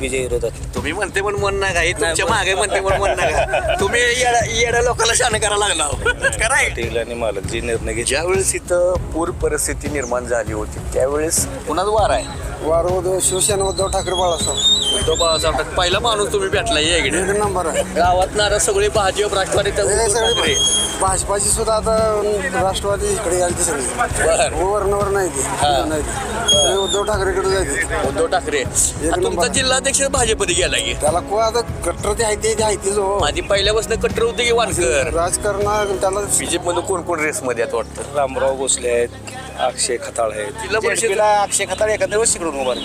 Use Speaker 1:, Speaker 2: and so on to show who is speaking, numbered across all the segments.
Speaker 1: बीजेपीच्या विरोधात.
Speaker 2: तुम्ही म्हणते पण मन नका हे तुमच्या मागे म्हणते पण मन नका तुम्ही येड्या लोकांना शान करायला लागला कराय
Speaker 1: पाटील आणि मालक जे निर्णय घेतले.
Speaker 2: ज्यावेळेस इथं पूर परिस्थिती निर्माण झाली होती त्यावेळेस कुणाच वार आहे
Speaker 3: वार शिवसेना उद्धव ठाकरे बाळासाहेब
Speaker 2: उद्धव बाळासाहेब ठाकरे पहिला माणूस तुम्ही भेटला या इकडे
Speaker 3: एक नंबर आहे.
Speaker 2: गावात नारा सगळे भाजप राष्ट्रवादी त्या
Speaker 3: हे
Speaker 2: उद्धव
Speaker 3: सगळे
Speaker 2: ठाकरे.
Speaker 3: भाजपाची सुद्धा आता राष्ट्रवादी इकडे यायची सगळी
Speaker 2: बरं.
Speaker 3: वरणावर नाही ती नाही ती. सगळे उद्धव ठाकरेकडे जायचे.
Speaker 2: उद्धव ठाकरे आता तुमचा
Speaker 3: नंबर.
Speaker 2: जिल्हाध्यक्ष भाजपमध्ये गेला की
Speaker 3: त्याला को आता कट्टर ते आहे ते आहे तेच हो.
Speaker 2: माझी पहिल्यापासून कट्टर होते की वानकर
Speaker 3: राजकारण त्याला
Speaker 2: बीजेपी मध्ये कोण कोण रेस मध्ये आहेत वाटतं
Speaker 1: रामराव भोसले आहेत, अक्षय खताळ आहेत.
Speaker 2: जिल्हा परिषद
Speaker 1: JDP ला अक्षय खताळ एखाद्या वेळेस तिकडून उभा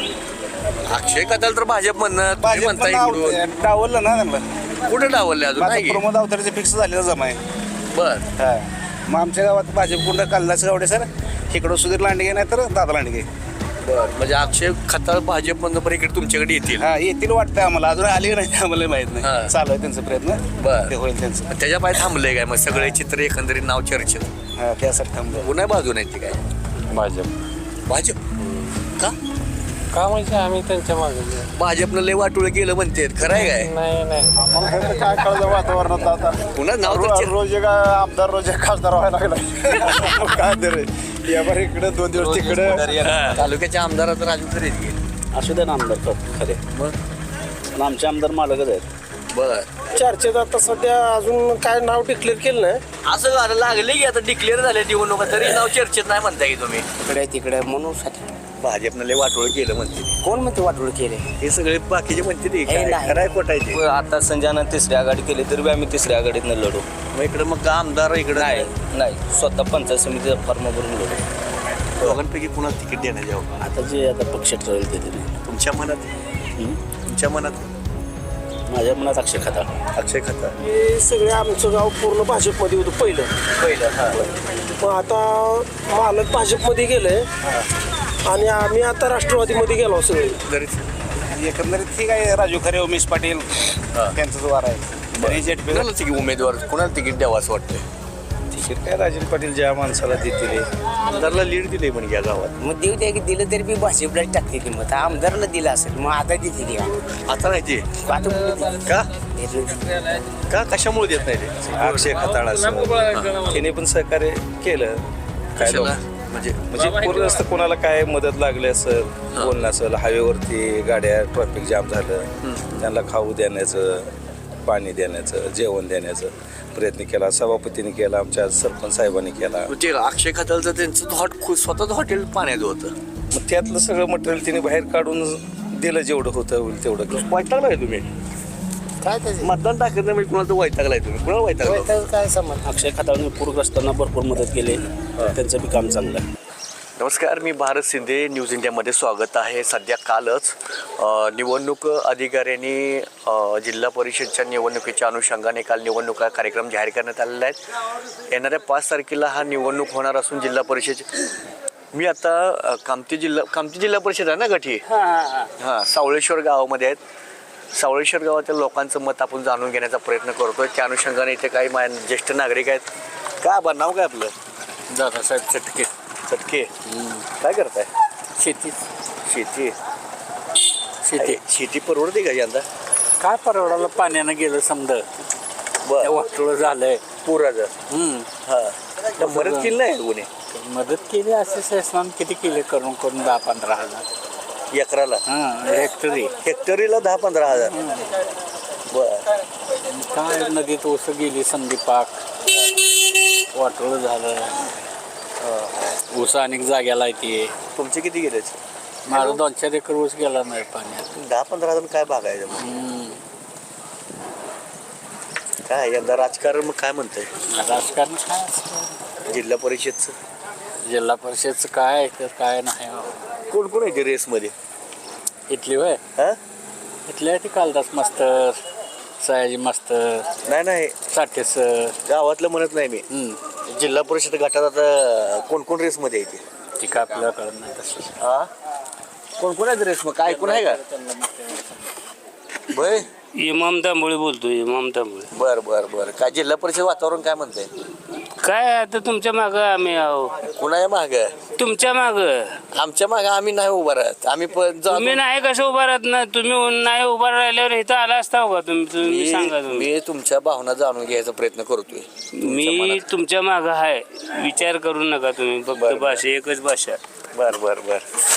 Speaker 2: अक्षय कथाल तर भाजप म्हणणं तुम्ही म्हणता इकडून
Speaker 1: डावललं ना त्यांना.
Speaker 2: कुठे डावलले अजून नाही की?
Speaker 1: प्रमोद अवतारेचे फिक्स झालेलं जमा आहे.
Speaker 2: बर
Speaker 1: हा मग आमच्या गावात भाजप कोणता कालदास गावडे सर, इकडं सुधीर लांडगे नाही तर दादा लांडगे.
Speaker 2: बर म्हणजे अक्षय खताळ भाजप म्हणणं पण इकडे तुमच्याकडे येतील
Speaker 1: हा येतील वाटतं आम्हाला, अजून आले नाही आम्हाला माहित
Speaker 2: हा.
Speaker 1: नाही. चालू आहे त्यांचा प्रयत्न.
Speaker 2: बर.
Speaker 1: ते होईल त्यांचं.
Speaker 2: त्याच्या पाय थांबले काय मग सगळे चित्र एकंदरीत नाव चर्चेत
Speaker 1: हा त्यासाठी थांबलं.
Speaker 2: पुन्हा बाजून येते काय
Speaker 4: भाजप
Speaker 2: भाजप का
Speaker 4: का म्हणजे आम्ही त्यांच्या मागे
Speaker 2: भाजपनं लय वाटोळ केलं म्हणते खरं आहे काय
Speaker 4: नाही
Speaker 3: काय कळलं वातावरणात आता
Speaker 2: पुन्हा नाव तर
Speaker 3: रोज एक आमदार रोज एक खासदार व्हायला लागला काय तर या बार इकडे 2 दिवस तिकडे
Speaker 2: हा. तालुक्याच्या आमदारात राजू खरे
Speaker 1: असू दे ना आमदार खरे,
Speaker 2: मग
Speaker 1: पण आमचे आमदार मालकच आहेत.
Speaker 2: बर
Speaker 3: चर्चेत आता सध्या अजून काय नाव डिक्लेअर केलं नाही.
Speaker 2: असं झालं लागले की आता डिक्लेअर झाले निवडणुका तरी नाव चर्चेत नाही म्हणताय की तुम्ही
Speaker 1: इकडे तिकडे म्हणून
Speaker 2: भाजपनं लय वाटोळ केलं म्हणते
Speaker 1: कोण म्हणते वाटोळ केले.
Speaker 2: हे सगळे बाकीचे म्हणते ते
Speaker 1: हे नाही.
Speaker 2: खराय खोटायचे
Speaker 1: आता संजयनं तिसरी आघाडी केली तरी बी आम्ही तिसऱ्या आघाडीतनं लढू.
Speaker 2: मग इकडे मग का आमदार इकडे
Speaker 1: नाही नाही स्वतः पंचायत समितीचा फॉर्म भरून लढू.
Speaker 2: दोघांपैकी कुणाला तिकीट देण्यात यावं
Speaker 1: आता जे आता पक्ष ठरवेल ते तरी.
Speaker 2: तुमच्या मनात तुमच्या मनात
Speaker 1: माझ्या मनात अक्षय खताळ.
Speaker 2: अक्षय खताळ
Speaker 3: हे सगळे आमचं गाव पूर्ण भाजपमध्ये होतं पहिलं मग आता मालक भाजपमध्ये गेले आणि आम्ही आता राष्ट्रवादीमध्ये गेलो सगळे.
Speaker 1: एकंदरीत ठीक आहे. राजू खरे, उमेश पाटील त्यांचाच वार आहे. आणि JDP
Speaker 2: कुणाला तिकीट उमेदवार कुणाला तिकीट द्यावं असं वाटतंय
Speaker 1: तिकीट काय राजन पाटील ज्या माणसाला देतील.
Speaker 2: आमदारला लीड दिले म्हणजे या गावात
Speaker 5: मग देऊ द्या की दिलं तरी बी भाजपला टाकते ती मग आमदारला दिलं असेल मग आता देते ती
Speaker 2: आता नाही ते
Speaker 5: आता कुठे
Speaker 2: का
Speaker 5: देते?
Speaker 2: का कशामुळे देत नाही ते
Speaker 1: अक्षय खताळ असं त्याने पण सहकार्य केलं. काय
Speaker 2: कशाला?
Speaker 1: लोक- म्हणजे पूर्ण असतं कोणाला काय मदत लागली असेल, बोलणं असेल, हायवेवरती गाड्या ट्रॅफिक जाम झालं, त्यांना खाऊ देण्याचं, पाणी देण्याचं, जेवण देण्याचं प्रयत्न केला. सभापतीने केला, आमच्या सरपंच साहेबांनी केला.
Speaker 2: ते अक्षय खतालचं त्यांचं स्वतःच हॉटेल पाण्यात होतं
Speaker 1: मग त्यातलं सगळं मटेरियल तिने बाहेर काढून दिलं, जेवढं होतं होईल तेवढं.
Speaker 2: वैतागलाय तुम्ही
Speaker 5: काय त्याचे
Speaker 2: मतदान टाकत नाही म्हणजे कुणाला वैतागलाय तुम्ही कुणाला वैतागला
Speaker 5: काय समज
Speaker 1: अक्षय खताळने पूरग्रस्तांना भरपूर मदत केली. त्यांचं बी काम चांगलं आहे.
Speaker 2: नमस्कार, मी भारत शिंदे, न्यूज इंडियामध्ये स्वागत आहे. सध्या कालच निवडणूक अधिकाऱ्यांनी जिल्हा परिषदच्या निवडणुकीच्या अनुषंगाने काल निवडणुका कार्यक्रम जाहीर करण्यात आलेला आहे. येणाऱ्या 5 तारखेला हा निवडणूक होणार असून जिल्हा परिषद मी आता कामती जिल्हा परिषद आहे ना गठी हां सावळेश्वर गावामध्ये आहेत. सावळेश्वर गावातील लोकांचं मत आपण जाणून घेण्याचा प्रयत्न करतोय. त्या अनुषंगाने इथे काही ज्येष्ठ नागरिक आहेत. काय बरं नाव काय आपलं?
Speaker 4: दादासाहेब चटके.
Speaker 2: चटके काय करताय? शेती शेती परवडते का यंदा?
Speaker 4: काय परवडाला पाण्यानं गेलं समजा
Speaker 2: बरं
Speaker 4: वाटोळं झालंय.
Speaker 2: पुराचं हां तर मदत केली नाही कोणी
Speaker 4: मदत केली असे शासनानं किती केले करून 10-15 हजार
Speaker 2: एकराला
Speaker 4: हेक्टरी.
Speaker 2: हेक्टरीला 10-15 हजार बर
Speaker 4: काय नदीत ओसं गेली संधी पाक वाटोळं झालं. ऊस अनेक जाग्याला येते.
Speaker 2: तुमचे किती गेले?
Speaker 4: माझा 2-4 एकर ऊस गेला नाही पाण्यात.
Speaker 2: 10-15 हजार काय भागायचं मग? काय यंदा राजकारण मग काय म्हणतंय?
Speaker 4: राजकारण काय असतं?
Speaker 2: जिल्हा परिषदचं
Speaker 4: जिल्हा परिषदचं काय आहे तर काय नाही.
Speaker 2: कोण कोण आहे रेसमध्ये?
Speaker 4: इथली होय
Speaker 2: हां
Speaker 4: इथल्या ती कालदास मास्तर, सयाजी मास्तर,
Speaker 2: नाही
Speaker 4: साठे सर.
Speaker 2: गावातलं म्हणत नाही मी. जिल्हा परिषद गटात आता कोण कोण रेसमध्ये येते?
Speaker 4: ती काय आपल्याला कळत नाही तसं.
Speaker 2: हा कोण कोण आहे रेस मग काय कोण आहे का? बय
Speaker 6: इमाम तांबोळे बोलतोय. इमाम तांबोळे.
Speaker 2: बर काय जिल्हा परिषद वातावरण काय म्हणतंय?
Speaker 6: काय आता तुमच्या माग आम्ही आहो.
Speaker 2: कुणाच्या माग
Speaker 6: तुमच्या माग
Speaker 2: आमच्या माग आम्ही नाही उभा राहत आम्ही पण
Speaker 6: तुम्ही नाही कसं उभा राहत ना तुम्ही नाही उभा राहिल्यावर इथं आला असता का तुम्ही सांगा तुम्ही.
Speaker 2: मी तुमच्या भावना जाणून घ्यायचा प्रयत्न करतोय
Speaker 6: मी तुमच्या माग आहे विचार करू नका तुम्ही फक्त भाषा एकच भाषा.
Speaker 2: बर बर बर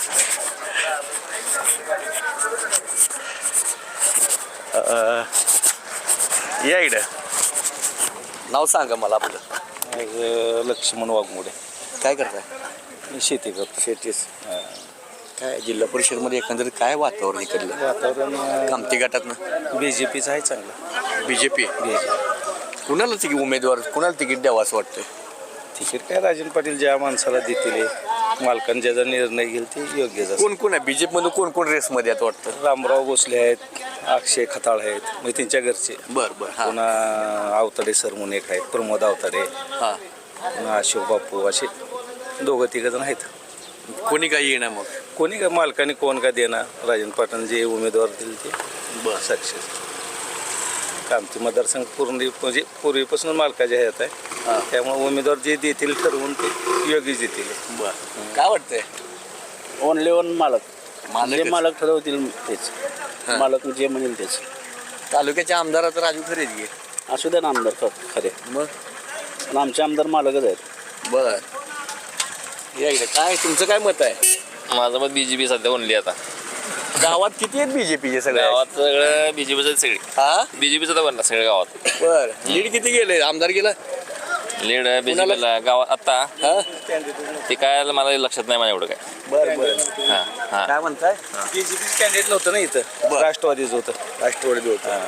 Speaker 2: या इकडं नाव सांगा मला आपलं.
Speaker 1: लक्ष्मण वाघमोडे
Speaker 2: काय करताय?
Speaker 1: शेती करतो.
Speaker 2: शेतीच काय जिल्हा परिषदमध्ये एकंदरीत काय वातावरण इकडलं
Speaker 1: वातावरण
Speaker 2: कामती गटातनं
Speaker 1: BJPचं आहे चांगलं.
Speaker 2: बीजेपी कुणाला तिकीट उमेदवार कुणाला तिकीट द्यावं असं वाटतंय?
Speaker 1: तिकीट काय राजन पाटील ज्या माणसाला देतील मालकाने ज्याचा निर्णय घेईल ते योग्यच असेल.
Speaker 2: कोण कोण आहे बीजेपी मध्ये कोण कोण रेसमध्ये आहेत वाटतं?
Speaker 1: रामराव भोसले आहेत, अक्षय खताळ आहेत म्हणजे त्यांच्या घरचे.
Speaker 2: बर बर हा
Speaker 1: पुन्हा आवताडे सर म्हणून एक आहेत, प्रमोद आवताडे,
Speaker 2: हा
Speaker 1: पुन्हा अशोक बापू असे दोघं तिघ जण आहेत.
Speaker 2: कोणी काही येणार मग?
Speaker 1: कोणी काय मालकाने कोण का देणार राजन पाटील जे उमेदवार दिले ते
Speaker 2: बर
Speaker 1: सक्सेस. कामती मतदारसंघ पूर्ण म्हणजे पूर्वीपासून मालकाचे ह्यात आहे त्यामुळे उमेदवार जे देतील ठरवून ते योग्य देतील.
Speaker 2: बर काय वाटतंय?
Speaker 4: ओनली ओन मालक
Speaker 2: मालकच.
Speaker 4: जे मालक ठरवतील तेच
Speaker 2: हा.
Speaker 4: मालक जे म्हणेल तेच.
Speaker 2: तालुक्याच्या आमदारात राजू खरेच घे
Speaker 4: असू द्या ना आमदार खरे
Speaker 2: मग
Speaker 4: पण आमचे आमदार मालकच आहेत.
Speaker 2: बर या इकडे काय तुमचं काय मत आहे?
Speaker 7: माझं मत बीजेपी सध्या ओनली आता
Speaker 2: गावात किती आहेत बीजेपीचे सगळे?
Speaker 7: गावात सगळं बीजेपीचं सगळी
Speaker 2: हा
Speaker 7: बीजेपीचं तर बनला सगळ्या गावात
Speaker 2: बर लीड किती गेले आमदार गेला?
Speaker 7: लीड बीजेपीला गावात आता
Speaker 2: हा
Speaker 7: ते काय मला लक्षात नाही माझ्या एवढं काय.
Speaker 2: बर बर
Speaker 7: हा हा
Speaker 2: काय म्हणताय?
Speaker 1: BJP कॅन्डिडेट नव्हतं ना इथं,
Speaker 2: बरं.
Speaker 1: राष्ट्रवादीचं होतं.
Speaker 2: राष्ट्रवादी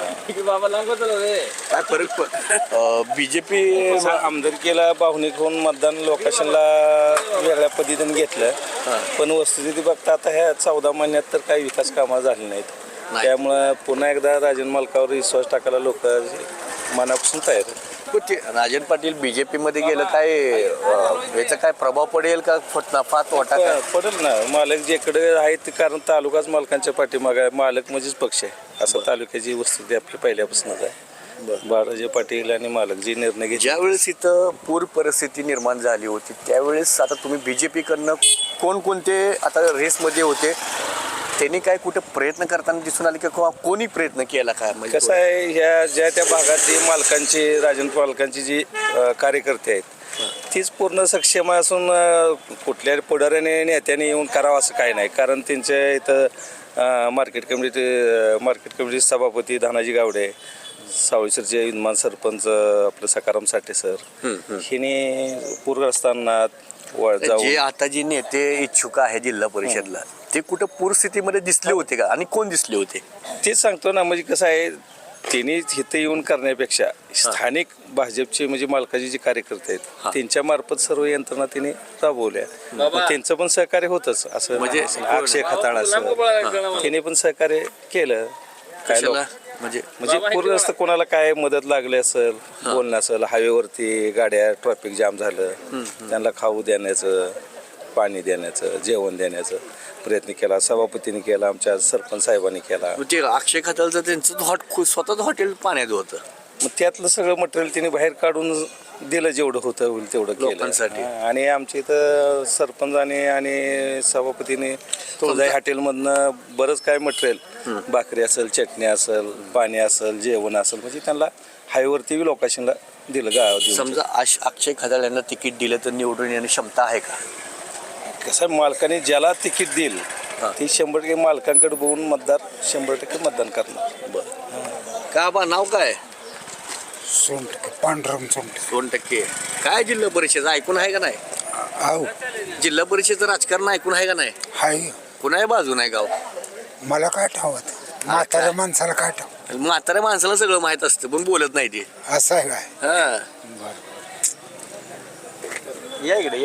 Speaker 2: काय फरक बीजेपी
Speaker 1: आमदारकीला भावनिक होऊन मतदान लोकेशनला वेगळ्या पद्धतीने घेतलं. पण वस्तुस्थिती बघता आता ह्या 14 महिन्यात तर काही विकास कामं झाली नाहीत. त्यामुळं पुन्हा एकदा राजन मालकावर विश्वास टाकायला लोक मनापासून तयार आहेत.
Speaker 2: राजन पाटील बीजेपी मध्ये गेलं काय याचा काय प्रभाव पडेल का नफा तोटा काय?
Speaker 1: पडेल ना. मालक जेकडे आहेत कारण तालुकाच मालकांच्या पाठीमागे आहे. मालक म्हणजेच पक्ष आहे असं तालुक्याची वस्तुस्थिती आपली पहिल्यापासूनच आहे. बाळाजी पाटील आणि मालक जे निर्णय घेतले.
Speaker 2: ज्यावेळेस इथं पूर परिस्थिती निर्माण झाली होती त्यावेळेस आता तुम्ही बीजेपी कडनं कोणकोणते आता रेसमध्ये होते त्यांनी काय कुठे प्रयत्न करताना दिसून आले किंवा कोणी प्रयत्न केला काय? म्हणजे
Speaker 1: कसं आहे ह्या ज्या त्या भागातली मालकांची राजन मालकांची जी कार्यकर्ते आहेत तीच पूर्ण सक्षम असून कुठल्या पुढाऱ्याने नेत्याने येऊन करावं असं काय नाही. कारण त्यांच्या इथं मार्केट कमिटी सभापती धानाजी गावडे, सावळीसरचे विद्यमान सरपंच आपलं सकाराम साठे सर हिने पूरग्रस्तांना
Speaker 2: जे आता जे नेते इच्छुक आहे जिल्हा परिषदला ते कुठं पूरस्थितीमध्ये दिसले होते का आणि कोण दिसले होते?
Speaker 1: तेच सांगतो ना. म्हणजे कसं आहे त्यांनी इथं येऊन करण्यापेक्षा स्थानिक भाजपचे म्हणजे मालकाचे जे कार्यकर्ते आहेत त्यांच्या मार्फत सर्व यंत्रणा त्यांनी राबवल्या. मग त्यांचं पण सहकार्य होतच असं म्हणजे अक्षय खताळ असं त्यांनी पण सहकार्य केलं. काय लोक
Speaker 2: म्हणजे
Speaker 1: पूरग्रस्त कोणाला काय मदत लागली असेल बोलणं असेल हायवेवरती गाड्या ट्रॅफिक जाम झालं त्यांना खाऊ देण्याचं पाणी देण्याचं जेवण देण्याचं प्रयत्न केला. सभापतीने केला, आमच्या सरपंच साहेबांनी केला.
Speaker 2: ते अक्षय खताळचं त्यांचं स्वतःच हॉटेल पाण्यात होतं.
Speaker 1: मग त्यातलं सगळं मटेरियल तिने बाहेर काढून दिलं जेवढं होतं होईल तेवढं
Speaker 2: लोकांसाठी.
Speaker 1: केलं. आणि आमच्या इथं सरपंचाने आणि सभापतीने तुळजाई हॉटेलमधनं बरंच काय मटेरियल भाकरी असेल चटणी असेल पाणी असेल जेवण असेल म्हणजे त्यांना हायवेवरती लोकेशनला दिलं गावात.
Speaker 2: समजा अक्षय खताळ यांना तिकीट दिलं तर निवडून येण्याची क्षमता आहे का?
Speaker 1: कसं मालकाने ज्याला तिकीट देईल ती 100% मालकांकडे बघून मतदार 100% मतदान करणार.
Speaker 2: बरं का बा नाव काय?
Speaker 8: सोनटक्के पांढरम सोनटक्के
Speaker 2: 2% काय जिल्हा परिषद ऐकून आहे का नाही?
Speaker 8: आहो
Speaker 2: जिल्हा परिषदचं राजकारण ऐकून आहे का नाही?
Speaker 8: हाय
Speaker 2: कुणाही बाजू नाही गाव
Speaker 8: मला काय ठावत म्हाताऱ्या माणसाला काय ठाव
Speaker 2: म्हाताऱ्या माणसाला सगळं माहित असतं पण बोलत नाही ते.
Speaker 8: असं आहे काय
Speaker 2: हा या इकडे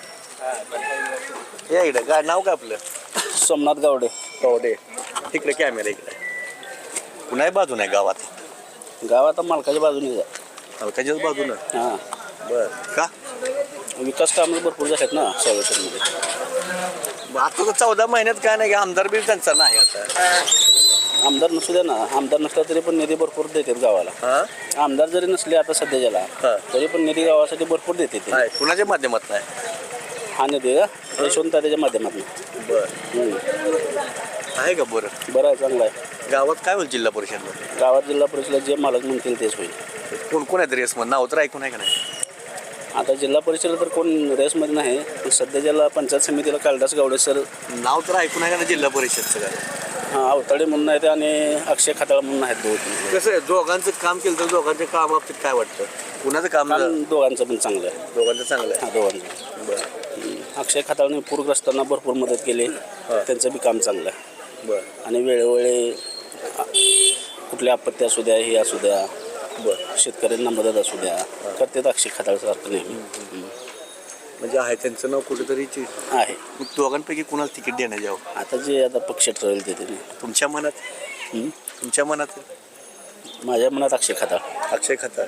Speaker 2: या इकडे काय नाव काय आपलं?
Speaker 4: सोमनाथ गावडे.
Speaker 2: कवडे इकडे कॅमेरा इकडे कुणाही बाजू नाही गावात?
Speaker 4: गावात मालकाच्या बाजूने जा.
Speaker 2: हलकाच्याच बाजूनं.
Speaker 4: हां
Speaker 2: बर का
Speaker 4: विकास कामं भरपूर झालेत ना सावळेश्वरमध्ये.
Speaker 2: आता तर 14 महिन्यात काय नाही आमदार बिल त्यांचा नाही आता
Speaker 4: आमदार नसू द्या ना, आमदार नसला तरी पण निधी भरपूर देतात गावाला.
Speaker 2: हा
Speaker 4: आमदार जरी नसले आता सध्याच्याला
Speaker 2: हा.
Speaker 4: तरी पण निधी गावासाठी भरपूर देते ते.
Speaker 2: आहे कुणाच्या माध्यमातून आहे
Speaker 4: हा निधी का यशवंत त्याच्या माध्यमातून.
Speaker 2: बरं आहे का बरं
Speaker 4: बरं आहे, चांगलं आहे.
Speaker 2: गावात काय होईल जिल्हा परिषदमध्ये
Speaker 4: गावात जिल्हा परिषदेला जे मालक म्हणतील तेच होईल.
Speaker 2: कोण कोण आहेत रेसमध्ये नाव तर ऐकून आहे का नाही
Speaker 4: आता जिल्हा परिषदेला तर कोण रेसमध्ये नाही, पण सध्याच्याला पंचायत समितीला कालदास गावडे सर,
Speaker 2: नाव तर ऐकून आहे का ना जिल्हा परिषदचं काय
Speaker 4: हा अवताडे म्हणून आहेत आणि अक्षय खताळ म्हणून आहेत दोघं.
Speaker 2: कसं आहे दोघांचं काम केलं तर दोघांच्या कामाबाबतीत काय वाटतं कुणाचं काम
Speaker 4: काम दोघांचं पण चांगलं आहे.
Speaker 2: दोघांचं चांगलं आहे
Speaker 4: हा दोघांचं.
Speaker 2: बरं
Speaker 4: अक्षय खताळने पूरग्रस्तांना भरपूर मदत केली, त्यांचं बी काम चांगलं आहे.
Speaker 2: बरं
Speaker 4: आणि वेळोवेळी कुठल्या आपत्ती असू द्या, हे असू द्या,
Speaker 2: बरं
Speaker 4: शेतकऱ्यांना मदत असू द्या, करतात अक्षय खताळसारखं नेहमी.
Speaker 2: म्हणजे आहे त्यांचं नाव कुठेतरी
Speaker 4: आहे.
Speaker 2: मग दोघांपैकी कुणाला तिकीट देण्यात यावं
Speaker 4: आता जे आता पक्ष ठरवेल ते ते.
Speaker 2: तुमच्या मनात तुमच्या मनात
Speaker 4: माझ्या मनात अक्षय खताळ.
Speaker 2: अक्षय खताळ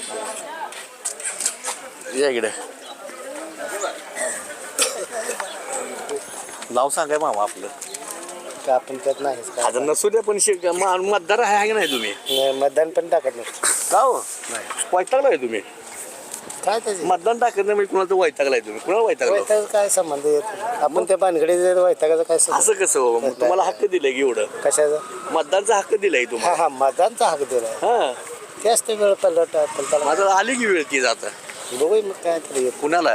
Speaker 2: या इकडे नाव सांगाय मामा आपलं
Speaker 5: का आपण त्यात नाहीच का
Speaker 2: आता नसू द्या पण मतदार आहे का नाही तुम्ही
Speaker 5: मतदान पण टाकत नाही.
Speaker 2: का हो वैतागला आहे तुम्ही
Speaker 5: काय त्याचे
Speaker 2: मतदान टाकत नाही म्हणजे कुणाला तर वैतागलाय तुम्ही कुणाला वैतागला
Speaker 5: वैताग काय संबंध येत आपण त्या भानगडीत वैतागाचा काय संबंध?
Speaker 2: असं कसं हो मग तुम्हाला हक्क दिलाय की एवढं
Speaker 5: कशाचा
Speaker 2: मतदानचा हक्क दिलाय
Speaker 5: हा
Speaker 2: तुम्हाला
Speaker 5: हा मतदानचा हक दिला
Speaker 2: हा
Speaker 5: ते असते वेळ पलट पण
Speaker 2: माझं आली की वेळ ती जाता
Speaker 5: बघू मग काय तरी येत
Speaker 2: कुणाला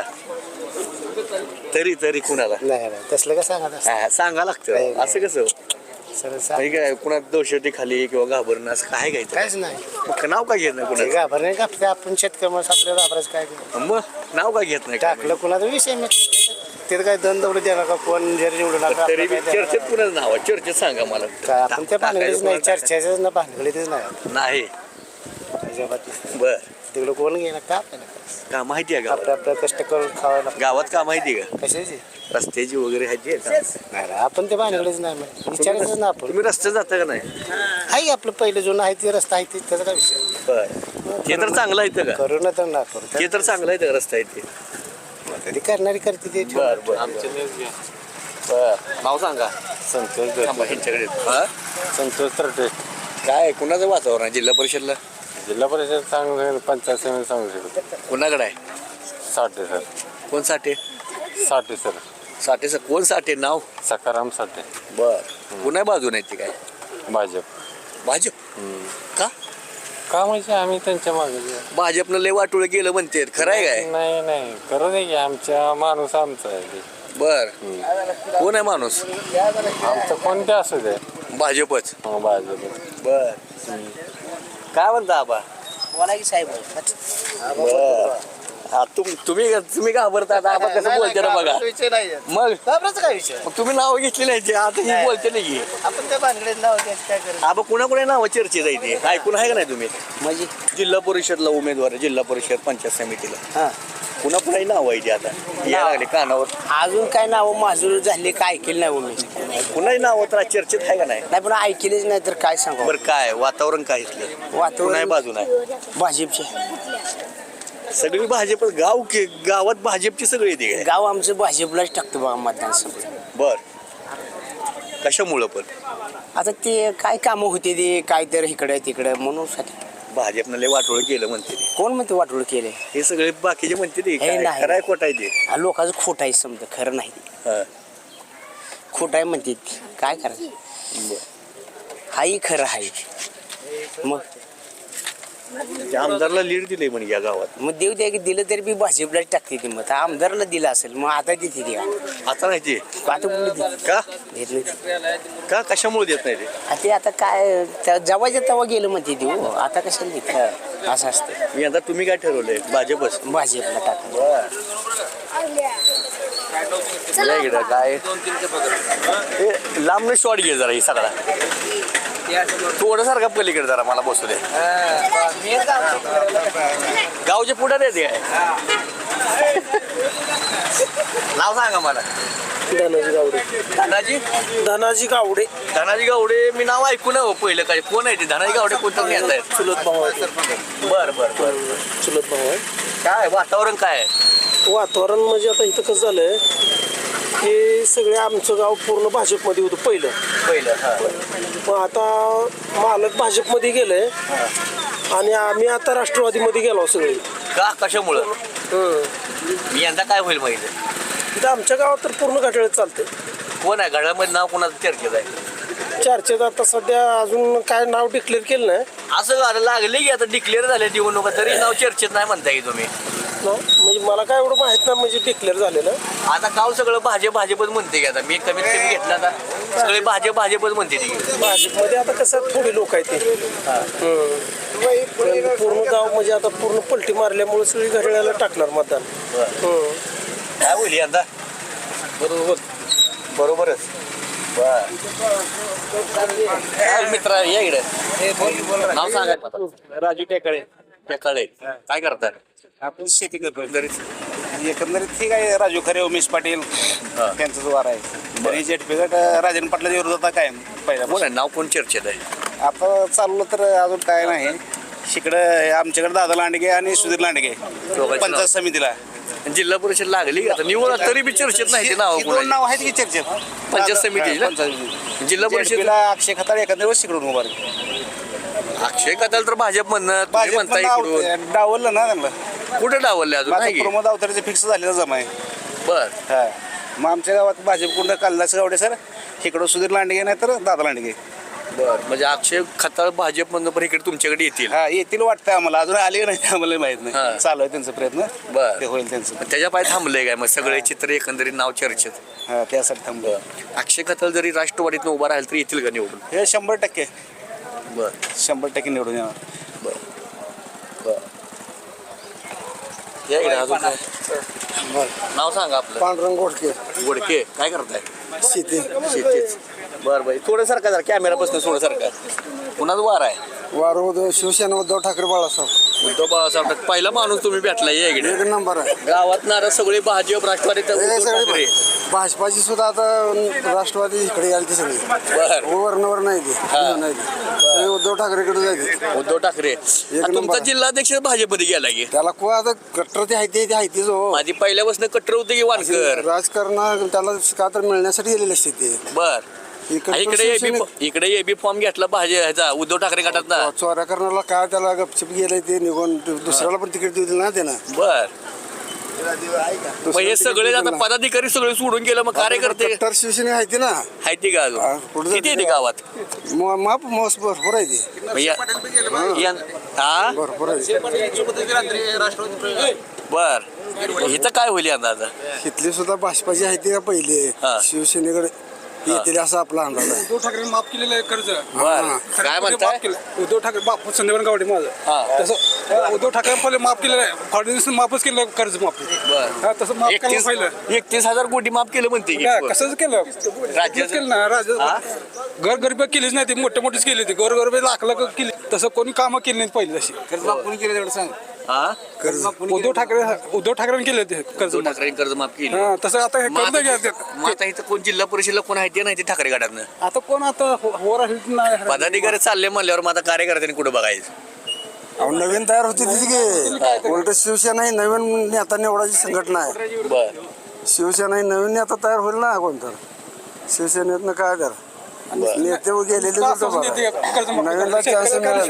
Speaker 2: तरी कुणाला
Speaker 5: नाही नाही तसलं का सांगत असतं
Speaker 2: हा, सांगा लागतं असं कसं
Speaker 5: सरळ
Speaker 2: काही काय कुणा दहशती खाली किंवा घाबरणं असं काय घ्यायचं
Speaker 5: काहीच नाही
Speaker 2: मग नाव काय घेत नाही
Speaker 5: ते
Speaker 2: कुणाचं
Speaker 5: घाबर नाही का आपण शेतकरी माणूस आपल्याला घाबरायचं काय
Speaker 2: मग नाव काय घेत नाही काय
Speaker 5: टाकलं कुणाचा विषय मग तिथं काय दंड दौड देणार का कोण जर निवडून
Speaker 2: म्हणजे? तरी बी चर्चेत कुणाचं नाव आहे चर्चेत सांगा मला
Speaker 5: काय आपण त्या भानगडीच नाही
Speaker 2: टाकायचं
Speaker 5: चर्चेच ना भानगडीतच नाही
Speaker 2: नाही
Speaker 5: अजिबात नाही.
Speaker 2: बर
Speaker 5: तिकडं कोण गेला का आपल्याला
Speaker 2: का माहिती आहे
Speaker 5: आपलं
Speaker 2: का
Speaker 5: आपलं कष्ट करून खावायला
Speaker 2: गावात का माहिती आहे
Speaker 5: कशाची
Speaker 2: का रस्त्याची वगैरे ह्याची आहे का?
Speaker 5: नाही रे, आपण ते भानगडीच नाही मग विचारायचं ना आपण
Speaker 2: तुम्ही रस्ते जाता का नाही
Speaker 5: आहे आपलं पहिलं जुनं आहे ते रस्ता आहे ते त्याचा काय विषय
Speaker 2: बर ते तर चांगलं आहे का
Speaker 5: करू ना तर ना करू
Speaker 2: ते तर चांगलं आहे का रस्ता आहे ते
Speaker 5: कधी करणारी करते ते
Speaker 2: बर बर बर नाव सांगा
Speaker 4: संतोष
Speaker 2: थांबा, ह्यांच्याकडे येतो. हा?
Speaker 4: संतोष तरटे.
Speaker 2: काय कुणाचं वातावरण आहे जिल्हा परिषदला
Speaker 4: जिल्हा परिषद सांगू पंचायत समिती सांगू शकतो.
Speaker 2: कुणाकडे आहे
Speaker 4: साठे सर.
Speaker 2: कोण साठे
Speaker 4: साठे सर.
Speaker 2: साठे सर कोण साठे नाव
Speaker 4: सकाराम साठे.
Speaker 2: बर कुणा बाजून आहे ते काय
Speaker 4: भाजप.
Speaker 2: भाजप का
Speaker 4: का म्हणजे आम्ही त्यांच्या मागे
Speaker 2: भाजपनं लय वाटोळ केलं म्हणते खरं आहे काय
Speaker 4: नाही नाही करू दे की आमच्या माणूस आमचा आहे ते.
Speaker 2: बर कोण आहे माणूस
Speaker 4: आमचं कोणते असू दे.
Speaker 2: भाजपच
Speaker 4: हो भाजप.
Speaker 2: बर काय म्हणता आबा
Speaker 5: बोला की साहेब
Speaker 2: बर हा, तुम्ही घाबरता आता आबा कसं बोलते ना बघा
Speaker 5: विषय नाही
Speaker 2: मग
Speaker 5: घाबरायचं काय विषय
Speaker 2: मग तुम्ही नाव घेतली नाही ते आता ही बोलते नाही की
Speaker 5: आपण त्या भानगडीत नाव घ्यायचं काय करायचं
Speaker 2: आबा कुणा नाव चर्चेत आहे ते ऐकून आहे का नाही तुम्ही
Speaker 5: म्हणजे
Speaker 2: जिल्हा परिषदला उमेदवार आहे, जिल्हा परिषद पंचायत समितीला
Speaker 5: हा
Speaker 2: कुणाही नाव आहे ते आता यायला लागले कानावर
Speaker 5: अजून काय नाव माजूर झाले काय ऐकेल नाही मी
Speaker 2: कुणाही नाव तर चर्चेत आहे का नाही
Speaker 5: नाही पण ऐकेलेच नाही तर काय सांगू
Speaker 2: बरं काय वातावरण काय इथलं
Speaker 5: वातावरण
Speaker 2: कुणाही बाजून आहे
Speaker 5: भाजपचे
Speaker 2: सगळी भाजप गावात भाजपची सगळी येते काय
Speaker 5: गाव आमचं भाजपलाच टाकतो बघा मतदान समिती.
Speaker 2: बर कशामुळं पण
Speaker 5: आता ते काय कामं होते ते काय तर इकडे तिकडे म्हणून
Speaker 2: भाजपनं लय वाटोळ केलं म्हणते ते.
Speaker 5: कोण म्हणते वाटोळ केले
Speaker 2: हे सगळे बाकीचे म्हणते ते
Speaker 5: हे
Speaker 2: काय
Speaker 5: नाही.
Speaker 2: खरं आहे खोटं आहे ते
Speaker 5: लोकांचं खोट आहे समजा खरं नाही
Speaker 2: हा.
Speaker 5: खोट आहे म्हणते ती. काय करायचं
Speaker 2: बरं.
Speaker 5: हाही खरं आहे मग
Speaker 2: त्या आमदारला लीड दिले म्हणजे या गावात
Speaker 5: मग देऊ द्या की दिलं तरी बी भाजपलाच टाकते ती मत आमदारला दिलं असेल मग आता देते ती
Speaker 2: आता नाही ते
Speaker 5: आता कुठे देत
Speaker 2: का
Speaker 5: देत नाही
Speaker 2: का कशामुळे देत नाही ते
Speaker 5: ते आता काय जेव्हाच्या तेव्हा गेलं म्हणते देऊ आता कशाला देते असं असतं
Speaker 2: मी आता तुम्ही काय ठरवलंय भाजपच
Speaker 5: भाजपला टाकलं
Speaker 2: या इकडं काय हे लांबनं शॉट घे जरा ही सगळा थोडं सारखा पलीकडे जरा मला बसू दे गावचे पुढे देते काय नाव सांगा मला
Speaker 3: धनाजी गावडे.
Speaker 2: धनाजी
Speaker 3: धनाजी गावडे
Speaker 2: धनाजी गावडे मी नाव ऐकून हो पहिलं काय कोण आहे ते धनाजी गावडे कोणतं घेत आहेत
Speaker 3: चुलत भाऊ आहे.
Speaker 2: बर बर बर
Speaker 3: चुलत भाऊ आहे.
Speaker 2: काय वातावरण काय आहे
Speaker 3: वातावरण म्हणजे आता इथं कसं झालंय हे सगळे आमचं गाव पूर्ण भाजपमध्ये होतं पहिलं. मग आता मालक भाजपमध्ये गेलंय आणि आम्ही आता राष्ट्रवादीमध्ये गेलो सगळे.
Speaker 2: का कशामुळं मी यंदा काय होईल माहिती
Speaker 3: तिथं आमच्या गावात तर पूर्ण घड्याळ चालतंय.
Speaker 2: कोण आहे घड्याळमध्ये नाव कोणाचं चर्चेत आहे
Speaker 3: चर्चेत आता सध्या अजून काय नाव डिक्लेअर केलं नाही
Speaker 2: असं झालं लागले की आता डिक्लेअर झाले निवडणुका तरी नाव चर्चेत नाही म्हणताय की तुम्ही
Speaker 3: ना, म्हणजे मला काय एवढं माहित नाही म्हणजे डिक्लेअर झालेलं.
Speaker 2: आता गाव सगळं भाजपच म्हणते की आता मी कमीत कमी घेतलं आता सगळे भाजपच म्हणते ती
Speaker 3: भाजपमध्ये आता कसं थोडी लोक आहेत ते. पण पूर्ण गाव म्हणजे आता पूर्ण पलटी मारल्यामुळे सगळी घड्याळाला टाकणार मतदान.
Speaker 2: काय होईल यंदा बरोबरच मित्र या इकडे नाव सांगा
Speaker 4: राजू टेकाळे.
Speaker 2: टेकाळे काय करतात
Speaker 9: आपण शेती करतो एकंदरीत ठीक आहे. राजू खरे, उमेश पाटील त्यांचा जो वार आहे आणि जेटपीगट राजन पाटलाच्या विरोधात काय पहिला
Speaker 2: कोण आहे नाव कोण चर्चेत आहे
Speaker 9: आता चाललं तर अजून काय नाही. इकडं आमच्याकडे दादा लांडगे आणि सुधीर लांडगे पंचायत समितीला
Speaker 2: जिल्हा परिषद लागली आता निवड तरी बी चर्चेत नाही ते नाव
Speaker 9: दोन नाव आहेत की चर्चेत
Speaker 2: पंचायत समितीला? जिल्हा परिषद
Speaker 9: परिषदेला अक्षय खताळ एखाद्या वेळेस इकडून उभार
Speaker 2: अक्षय कदल तर भाजप म्हणणं तुम्ही म्हणता इकडून
Speaker 9: डावललं ना त्यांना.
Speaker 2: कुठे डावलले अजून नाही की?
Speaker 9: प्रमोद अवतारेचं फिक्स झालेलं जमा आहे.
Speaker 2: बर
Speaker 9: हा मग आमच्या गावात भाजपकडून कालिदास गावडे सर, इकडं सुधीर लांडगे नाही तर दादा लांडगे.
Speaker 2: बर म्हणजे अक्षय खताळ भाजप म्हणणं पण इकडे तुमच्याकडे येतील.
Speaker 9: हा येतील वाटतंय आम्हाला, अजून आले नाही आम्हाला माहित
Speaker 2: हा.
Speaker 9: नाही. चालू आहे त्यांचा प्रयत्न.
Speaker 2: बर.
Speaker 9: ते होईल त्यांचं.
Speaker 2: पण त्याच्या पाय थांबलंय काय मग सगळे चित्र एकंदरीत नाव चर्चेत?
Speaker 9: हा त्यासाठी थांबलो.
Speaker 2: अक्षय खताळ जरी राष्ट्रवादीतनं उभा राहील तरी येतील का निवडून?
Speaker 9: हे 100%
Speaker 2: बर
Speaker 9: 100% निवडून येणार.
Speaker 2: या इकडे अजून काय नाव सांगा आपलं.
Speaker 3: पांडुरंग गोडके.
Speaker 2: गोडके काय करताय?
Speaker 3: शेती.
Speaker 2: शेतीच. बर बाई थोडं सारखा जरा कॅमेरापासून थोडं सारखा कुणाच वार आहे?
Speaker 3: वार शिवसेना उद्धव ठाकरे बाळासाहेब.
Speaker 2: उद्धव बाळासाहेब ठाकरे पहिला माणूस तुम्ही भेटला या इकडे.
Speaker 3: एक नंबर आहे.
Speaker 2: गावात नारा सगळे भाजप राष्ट्रवादी तर
Speaker 3: हे
Speaker 2: उद्धव
Speaker 3: सगळे
Speaker 2: ठाकरे.
Speaker 3: भाजपाची सुद्धा आता राष्ट्रवादी इकडे यायला ती सगळी
Speaker 2: बर
Speaker 3: वरणावर नाही ती. नाही ती. सगळे उद्धव ठाकरेकडे जायचे.
Speaker 2: उद्धव ठाकरे
Speaker 3: नंबर
Speaker 2: तुमचा
Speaker 3: आहे.
Speaker 2: जिल्हाध्यक्ष भाजपमध्ये गेला की
Speaker 3: त्याला को आता कट्टर ते आहे ते जो
Speaker 2: आधी पहिल्यापासून कट्टर होते की वानकर?
Speaker 3: राजकारण त्याला का तर मिळण्यासाठी गेलेले असते ते.
Speaker 2: बर इकडे एबी फॉर्म घेतला ह्याचा उद्धव ठाकरे गटात ना.
Speaker 3: चोऱ्या करण्याला काय त्याला गपचिप गेलंय ते निघून दुसऱ्याला पण तिकीट दिलं ना त्यानं.
Speaker 2: बर मग हे सगळे आता पदाधिकारी सगळे सोडून गेलं मग कार्यकर्ते
Speaker 3: कट्टर शिवसेना आहे ती ना.
Speaker 2: आहे ते का
Speaker 3: हा,
Speaker 2: अजून
Speaker 3: कुठं
Speaker 2: किती आहे ते
Speaker 3: जाते?
Speaker 2: गावात?
Speaker 3: माप मौस भरपूर आहे ती.
Speaker 2: हा
Speaker 3: भरपूर आहे.
Speaker 2: बर इथं काय होईल यंदा आता?
Speaker 3: इथली सुद्धा भाजपाची आहे ती का पहिले
Speaker 2: हा.
Speaker 3: शिवसेनेकडे येतील असा आपला अंदाज आहे.
Speaker 10: उद्धव ठाकरे माफ केलेलं आहे कर्ज.
Speaker 2: बर काय म्हणताय?
Speaker 10: उद्धव ठाकरे बाप संदीपान गावडे माझं
Speaker 2: हा.
Speaker 10: तसं उद्धव ठाकरे पहिले माफ केलेलं आहे. फडणवीस माफच केलं कर्ज माफी.
Speaker 2: बर
Speaker 10: तसं माफ केलं पहिलं.
Speaker 2: 31,000 कोटी माफ केलं म्हणते की
Speaker 10: कसंच केलं
Speaker 2: राज्याचं?
Speaker 10: केलं ना राज्य घरगरीबी केलीच नाही ती मोठे मोठीच केली होती. घरगरीबी लाख लाख केली तसं कोणी कामं केली नाहीत पहिली तशी.
Speaker 9: कोणी केलं तेवढं सांग.
Speaker 2: हा
Speaker 10: उद्धव ठाकरेंनी केले ते कर्ज
Speaker 2: उद्धव ठाकरे कर्ज माफ केली.
Speaker 10: हा, तसं आता हे
Speaker 2: मग
Speaker 10: कर्ज घ्या
Speaker 2: मग आता इथं कोण जिल्हा परिषदला कोण आहे ते नाही ते ठाकरे गटातनं
Speaker 10: आता कोण आता वर आहे नाही.
Speaker 2: पदाधिकारी चालले म्हणल्यावर मग आता कार्यकर्त्यांनी कुठं बघायचं?
Speaker 3: अहो, नवीन तयार होती तिची की उलट शिवसेना ही नवीन नेता निवडाची संघटना आहे.
Speaker 2: बर
Speaker 3: शिवसेना ही नवीन नेता तयार होईल ना कोणतं शिवसेनेतनं काय तर नेते गेलेले नवीनला चान्स मिळेल.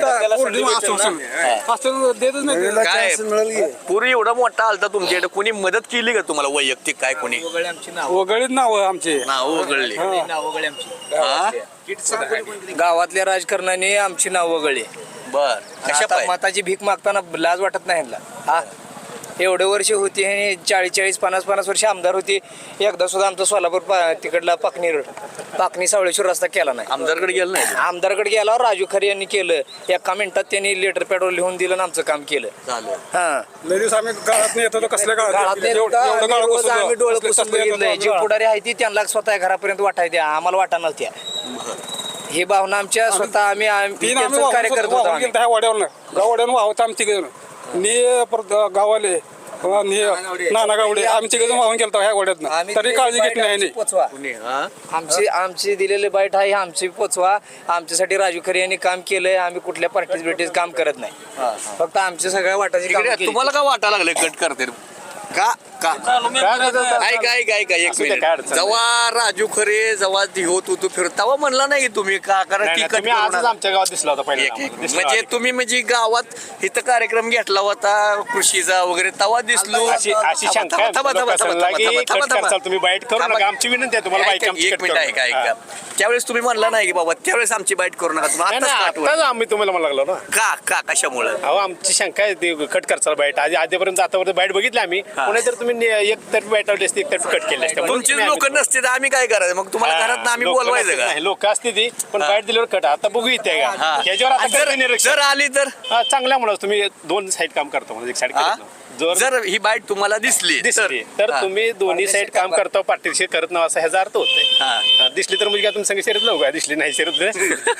Speaker 3: नवीनला
Speaker 2: काय?
Speaker 3: चान्स मिळेल की.
Speaker 2: पूर्वी एवढा मोठा आलता तुमच्याकडे कोणी मदत केली का तुम्हाला वैयक्तिक काय कोणी
Speaker 10: वगळीत नाव आमचे
Speaker 2: नाव वगळली? हा?
Speaker 5: गावातल्या राजकारणाने आमची नाव वगळली.
Speaker 2: बर कशा
Speaker 5: आता
Speaker 2: पाय?
Speaker 5: मताची भीक मागताना लाज वाटत नाही ह्यांना. हा एवढे वर्ष होती आणि 40-40, 50-50 वर्ष आमदार होती. एकदा सुद्धा आमचा सोलापूर तिकडला पाकणी सावळेश्वर रस्ता केला नाही.
Speaker 2: आमदारकडे गेलं नाही
Speaker 5: आमदारकडे गेल्यावर राजू खरे यांनी केलं. एका मिनिटात त्यांनी लेटर पॅडवर लिहून दिलं आणि आमचं काम केलं.
Speaker 2: झालं.
Speaker 5: हा
Speaker 10: लेडीज आम्ही गाळात येत होतो. कसल्या
Speaker 5: गाळात आम्ही डोळे पुसून बघितलंय. जे पुढारी आहे ती त्यांना स्वतः घरापर्यंत वाटाय द्या, आम्हाला वाटा नव्हत्या. ही भावना आमच्या स्वतः आम्ही त्यांचं कार्य करत होतो. आम्ही.
Speaker 10: गावड्यानं वाहत आमची गावाले नाना गावडे आमची गजून वाहून गेलतो ह्या गोड्यातनं.
Speaker 5: आम्ही
Speaker 10: तरी काळजी घेतली नाही
Speaker 5: आमची पोचवा. आमची दिलेले बाईट आहे आमची पोचवा. आमच्यासाठी राजू खरे यांनी काम केलंय. आम्ही कुठल्या पार्टीज काम करत नाही. फक्त आमच्या सगळ्या वाटाची कामं
Speaker 2: इकडे
Speaker 5: केली.
Speaker 2: तुम्हाला काय वाटा लागले कट करते का ऐका एक मिनिट. जेव्हा राजू खरे जेव्हा होत होतो फिरत तेव्हा म्हणला नाही तुम्ही का कारण
Speaker 9: तुम्ही आजच आमच्या गावात दिसला होता
Speaker 2: म्हणजे तुम्ही म्हणजे गावात इथं कार्यक्रम घेतला होता कृषीचा वगैरे तेव्हा दिसलो.
Speaker 9: अशी शंका आहे लोकांना की कट करचाल तुम्ही बाईट करू नका. आमची विनंती आहे तुम्हाला बाईक आमची
Speaker 2: एक
Speaker 9: कट
Speaker 2: मिनिट
Speaker 9: करू
Speaker 2: ऐका
Speaker 9: नका.
Speaker 2: ऐका त्यावेळेस तुम्ही म्हणला नाही की बाबा त्यावेळेस आमची बाईट करू नका तुम्ही आत्ताच का आठवण?
Speaker 9: आताच आम्ही तुम्हाला म्हणा लागलो ना.
Speaker 2: का कशामुळे
Speaker 9: अहो आमची शंका आहे ती कट करचाल बाईट आधीपर्यंत आतापर्यंत बाईट बघितली आम्ही पुन्हा तर तुम्ही एक तर्फी बाईट लावली असते एक तर्फी कट केली असते
Speaker 2: तुमचीच लोक नसते तर आम्ही काय करायचं मग तुम्हाला घरात आम्ही बोलवायचं का?
Speaker 9: लोक असते ती पण बाईट दिल्यावर कट आता बघू इथे का ह्याच्यावर आता करते निरीक्षण.
Speaker 2: जर आली तर
Speaker 9: चांगल्यामुळे तुम्ही दोन साईड काम करतो म्हणजे एक साईड
Speaker 2: जर ही बाईट तुम्हाला दिसली
Speaker 9: दिसली तर तुम्ही दोन्ही साईड काम करता पार्टीशी करत नाही असा ह्याचा अर्थ होतोय. दिसली तर म्हणजे काय तुम्ही संग शर्यत लावू का दिसली नाही शर्यत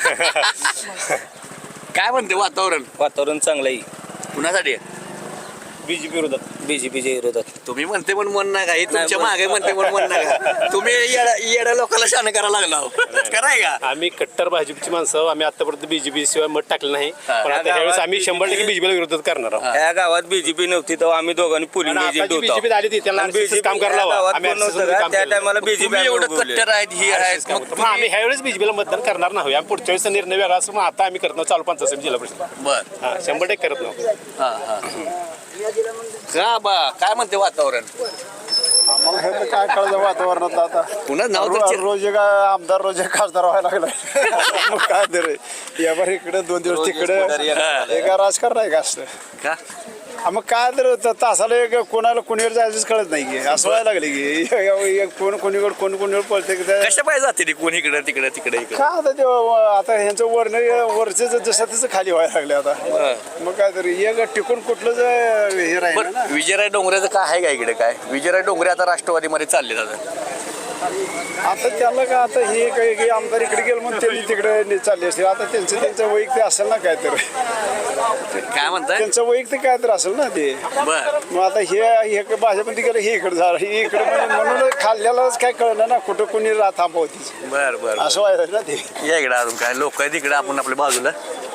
Speaker 2: काय म्हणते
Speaker 1: वातावरण चांगलं आहे
Speaker 2: कुणासाठी
Speaker 9: बीजेपी विरोधात
Speaker 1: बीजेपीच्या विरोधात.
Speaker 2: तुम्ही म्हणते पण मन नका हे तुमच्या मागे म्हणते पण मन नका तुम्ही येड्या लोकांना शान करायला लागला हो. कराय का
Speaker 9: आम्ही कट्टर भाजपची माणसं आम्ही आतापर्यंत बीजेपी शिवाय मत टाकलं नाही पण आता ह्यावेळेस आम्ही 100% बीजेपीला विरोधात करणार आहोत.
Speaker 1: या गावात बीजेपी नव्हती तेव्हा आम्ही दोघांनी पोलिंग एजंट होतो.
Speaker 9: बीजेपी आली ती त्याला काम करायला हवं. आम्ही
Speaker 1: त्या टायमाला बीजेपी
Speaker 2: तुम्ही एवढं कट्टर आहेत ही आहेत
Speaker 9: मग आम्ही ह्यावेळेस बीजेपीला मतदान करणार नाही. आम्ही पुढच्या वेळेस निर्णय वेगळा असं मग आता आम्ही करत नाही चालू 5 जिल्हा परिषद
Speaker 2: बर
Speaker 9: 100% करत नाही.
Speaker 2: का बा काय म्हणते वातावरण
Speaker 8: आम्हाला हे तर काय कळलं वातावरणात आता
Speaker 2: पुन्हा नाव तर
Speaker 8: रोज एक आमदार रोज एक खासदार व्हायला लागला मग काय तर यावर इकडे 2 दिवस तिकडे एका राजकारण आहे का असं
Speaker 2: का
Speaker 8: मग काय तर तासाला एक कोणाला कोणीवर जायचंच कळत नाही की असं व्हायला लागले की कोण कोणीकडे पळते
Speaker 2: कशा पाहिजे जाते कोण इकडे तिकडे तिकडे इकडे
Speaker 8: का आता ते आता ह्यांचं वरचे जसं तसं खाली व्हायला लागले आता मग काय तरी एक टिकून कुठलंच हे राहील
Speaker 2: बरं विजयराय डोंगरेचं काय आहे का इकडे काय विजयराय डोंगरे आता राष्ट्रवादीमध्ये चालले जातात
Speaker 8: आता त्याला का आता हे काही आमदार इकडे गेलं म्हणून त्यांनी तिकडे चालले असतील आता त्यांचं वैयक्तिक असेल ना काय तर
Speaker 2: काय म्हणताय
Speaker 8: त्यांचं वैयक्तिक काय तर असेल ना ते
Speaker 2: बर
Speaker 8: मग आता हे भाजपमध्ये गेलं हे इकडे झालं हे इकडे म्हणजे म्हणून खाल्ल्यालाच काय कळलं ना कुठं कोणी थांबवतीच
Speaker 2: बर बर
Speaker 8: असं व्हायला ना ते
Speaker 2: या इकडे अजून काय लोक आहेत इकडे आपण आपल्या बाजूला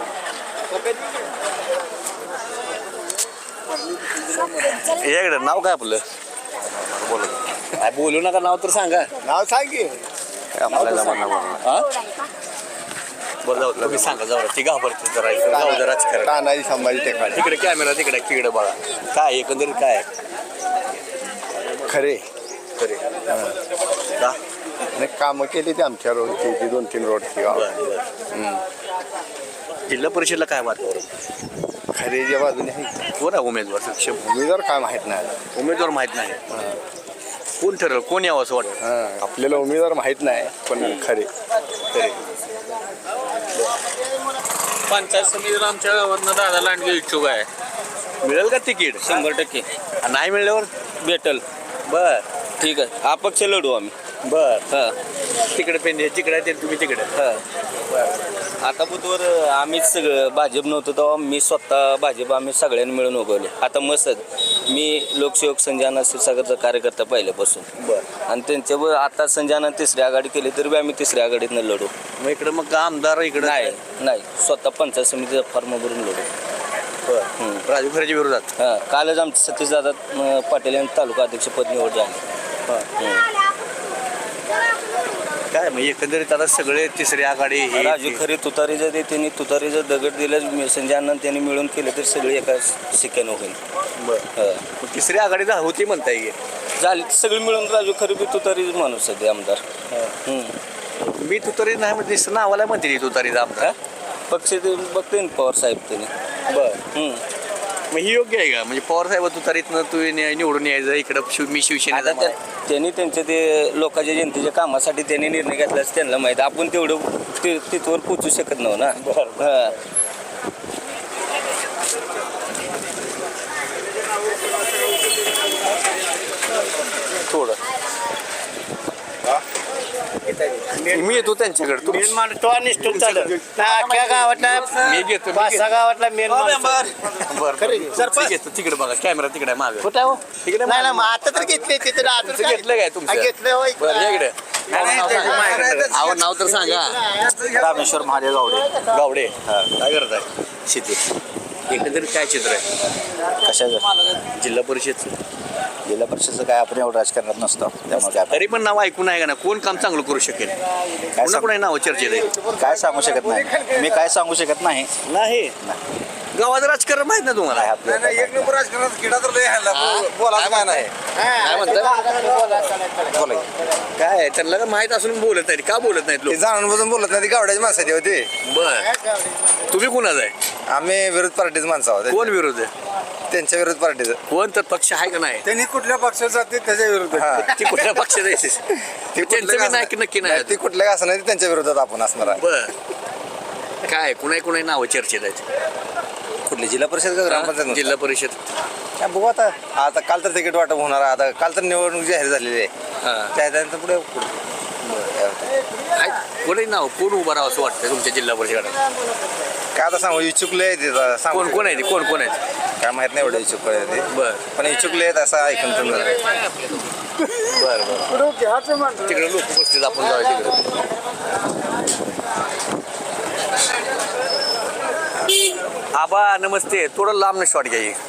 Speaker 2: या इकडे नाव काय आपलं बोला काय बोलू नका नाव तर सांगा
Speaker 8: नाव सांग की
Speaker 2: बरं जाऊ तुम्ही सांगा जाऊ ती घाबरते जरा जाऊ जरा राजकारण
Speaker 8: तानाजी संभाजी टेकाळे
Speaker 2: तिकडे कॅमेरा तिकडे बघा काय एकंदरीत काय
Speaker 8: खरे
Speaker 2: खरे का
Speaker 8: आणि कामं केली ते आमच्या रोडची 2-3 रोडची
Speaker 2: जिल्हा परिषदला काय वातावरण
Speaker 8: खरेच्या बाजूने आहे
Speaker 2: कोण आहे उमेदवार सक्षम
Speaker 8: उमेदवार काय माहीत नाही
Speaker 2: उमेदवार माहित नाही कोण ठरलं कोण यावं असं वाटतं
Speaker 8: आपल्याला उमेदवार माहीत नाही पण खरे
Speaker 7: पंचायत समितीला आमच्या गावातनं दादा लांडगे इच्छुक आहे.
Speaker 2: मिळेल का तिकीट
Speaker 1: 100%
Speaker 2: नाही मिळल्यावर
Speaker 1: भेटल.
Speaker 2: बर
Speaker 1: ठीक आहे अपक्ष लढू आम्ही.
Speaker 2: बर तिकडे पेंडे तिकडे ते तुम्ही तिकडे
Speaker 1: आता बुधवार आम्हीच सगळं भाजप नव्हतं तेव्हा मी स्वतः भाजप आम्ही सगळ्यांनी मिळून उगवले. आता मसद मी लोकसेवक संजयना क्षीरसागरचा कार्यकर्ता पहिल्यापासून आणि त्यांच्यावर आता संजयना 3री आघाडी केली तरी आम्ही 3री आघाडीतनं लढू.
Speaker 2: मग इकडे मग आमदार इकडे
Speaker 1: नाही स्वतः पंचायत समितीचा फॉर्म भरून लढू.
Speaker 2: राजू खरेच्या विरोधात
Speaker 1: हां कालच आमचं सतीशदादा पाटील यांनी तालुका अध्यक्षपद निवड झाली.
Speaker 2: काय मग एकंदरीत आता सगळे 3री आघाडी
Speaker 1: राजू खरे तुतारीचं ते त्यांनी तुतारीचं दगड दिलं संजय अण्णांनी त्यांनी मिळून केलं तर सगळे एका शिक्क्यानं होईल.
Speaker 2: मग 3री आघाडी होती म्हणता येईल
Speaker 1: झाली सगळी मिळून राजू खरे बी तुतारीच माणूस आहे आमदार.
Speaker 2: मी तुतारी नाही म्हणजे नावाला म्हणते तुतारीचा आमदार
Speaker 1: पक्ष ते बघते ना पवार साहेब त्यांनी.
Speaker 2: मग ही योग्य आहे का म्हणजे पवार साहेब तुतारीतनं तू निवडून यायचं इकडं मी शिवसेना
Speaker 1: त्यांनी त्यांच्या ते लोकांच्या जनतेच्या कामासाठी त्यांनी निर्णय घेतला त्यांना माहीत आपण तेवढं तिथवर पोचू शकत नव्हतं ना.
Speaker 2: थोडं मी येतो त्यांच्याकडे मी घेतो
Speaker 3: गावातला मेन
Speaker 2: बरं घेतो तिकडे बघा कॅमेरा तिकडे मागे
Speaker 3: कुठं
Speaker 2: तिकडे
Speaker 3: आता तर घेतले
Speaker 2: तुमचं घेतलं काय तुमचं बरं या इकडे नाव तर सांगा
Speaker 4: रामेश्वर महादेव
Speaker 2: गावडे काय करत आहे शेती एकंदरीत काय चित्र आहे
Speaker 4: कशाचं
Speaker 2: जिल्हा परिषदचं
Speaker 9: जिल्हा परिषदचं काय आपण एवढं राजकारणात नसतो त्यामुळे काय
Speaker 2: तरी पण नाव ऐकून आहे का ना कोण काम चांगलं करू शकेल पुन्हा कोणा नाव चर्चेत आहे
Speaker 9: काय सांगू शकत नाही मी काय सांगू शकत नाही
Speaker 2: नाही गावाचं राजकारण माहित ना तुम्हाला
Speaker 8: एक नंबर राजकारणात किडा तर बोलायचं काय नाही
Speaker 2: काय म्हणतात
Speaker 9: बोला
Speaker 2: काय त्यांना का माहित असून बोलत नाही का बोलत नाहीत लोक
Speaker 8: जाणून बसून बोलत नाही ती गावड्याची माणसाची होती
Speaker 2: बर तुम्ही कुणाचं आहे
Speaker 8: आम्ही विरोध पार्टीच माणसं आहोत
Speaker 2: कोण विरोध आहे
Speaker 8: त्यांच्या विरोध पार्टीचं
Speaker 2: कोण तर पक्ष आहे का नाही
Speaker 8: त्यांनी कुठल्या पक्षात जाते त्याच्या विरोधात
Speaker 2: ती कुठल्या पक्षात आहे त्यांचं बी नाही की नक्की नाही
Speaker 8: ती कुठल्या असं नाही त्यांच्या विरोधात आपण असणार आहे
Speaker 2: बर काय कुणाही नावं चर्चेत आहेत
Speaker 8: कुठली जिल्हा परिषद का ग्रामपंचायत
Speaker 2: जिल्हा परिषद
Speaker 8: काय बघू आता काल तर तिकीट वाटप होणार आहे. आता काल तर निवडणूक जाहीर झालेली आहे त्यानंतर पुढे
Speaker 2: कोणी नाव कोण उभं राहावं असं वाटतं तुमच्या जिल्हा परिषदेत
Speaker 8: काय आता सांगू इच्छुकले आहेत
Speaker 2: कोण कोण आहे ते कोण कोण आहेत
Speaker 8: काय माहित नाही एवढे इच्छुक आहे ते
Speaker 2: बर
Speaker 8: पण इच्छुकले आहेत असं ऐकून तुम्ही
Speaker 2: बर बर तिकडे लोक बसतील आपण जाऊया तिकडे आबा नमस्ते थोडं लांब शॉट घ्या ही.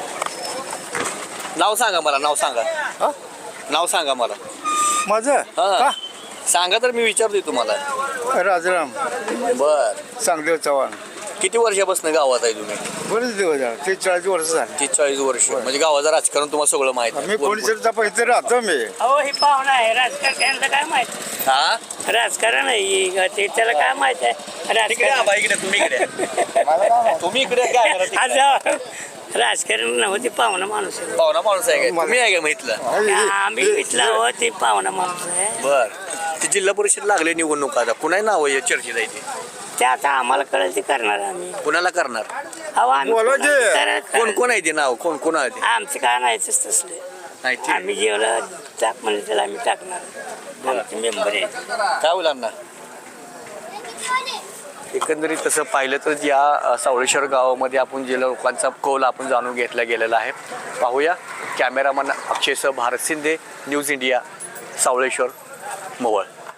Speaker 2: नाव सांगा मला नाव सांगा मला
Speaker 8: माझं
Speaker 2: हा सांगा तर मी विचारतोय तुम्हाला
Speaker 8: राजाराम
Speaker 2: बर
Speaker 8: चांगदेव चव्हाण
Speaker 2: किती वर्षापासून गावात आहे तुम्ही
Speaker 8: बरेच दिवस झाले 30-40 वर्ष झाले
Speaker 2: 40 वर्ष म्हणजे गावाचं राजकारण तुम्हाला सगळं माहित आहे.
Speaker 8: मी कोणीतरी इथे राहतो मी
Speaker 6: अहो हे पाहुणा आहे राजकारण त्यांना काय माहित
Speaker 2: हा
Speaker 6: राजकारण आहे ते त्याला काय माहित आहे
Speaker 2: इकडे
Speaker 6: राजकारण
Speaker 2: आबा, इकडे तुम्ही इकडे तुम्ही इकडे काय
Speaker 6: आज राजकारण नव्हते पाहुणा माणूस आहे
Speaker 2: पाहुणा माणूस आहे का तुम्ही आहे का माहितलं
Speaker 6: आम्ही इथला हो ते पाहुणा माणूस आहे
Speaker 2: बर ते जिल्हा परिषद लागले निवडणूक आता कुणाही नाव आहे चर्चेत आहे ते
Speaker 6: ते आता आम्हाला कळेल ते करणार आम्ही
Speaker 2: कुणाला करणार
Speaker 6: अहो आम्ही
Speaker 2: कोण कोण आहे ते नाव कोण कोण आहे ते
Speaker 6: आमचं काय नाहीच तसले
Speaker 2: नाही ते
Speaker 6: आम्ही जेवढं टाक म्हणलं त्याला आम्ही टाकणार आमचे मेंबर आहे
Speaker 2: काय होईल अण्णा एकंदरीत तसं पाहिलं तर या सावळेश्वर गावामध्ये आपण जे लोकांचा कौल आपण जाणून घेतला गेलेला आहे पाहूया कॅमेरामन अक्षयसह भारत शिंदे न्यूज इंडिया सावळेश्वर मोहोळ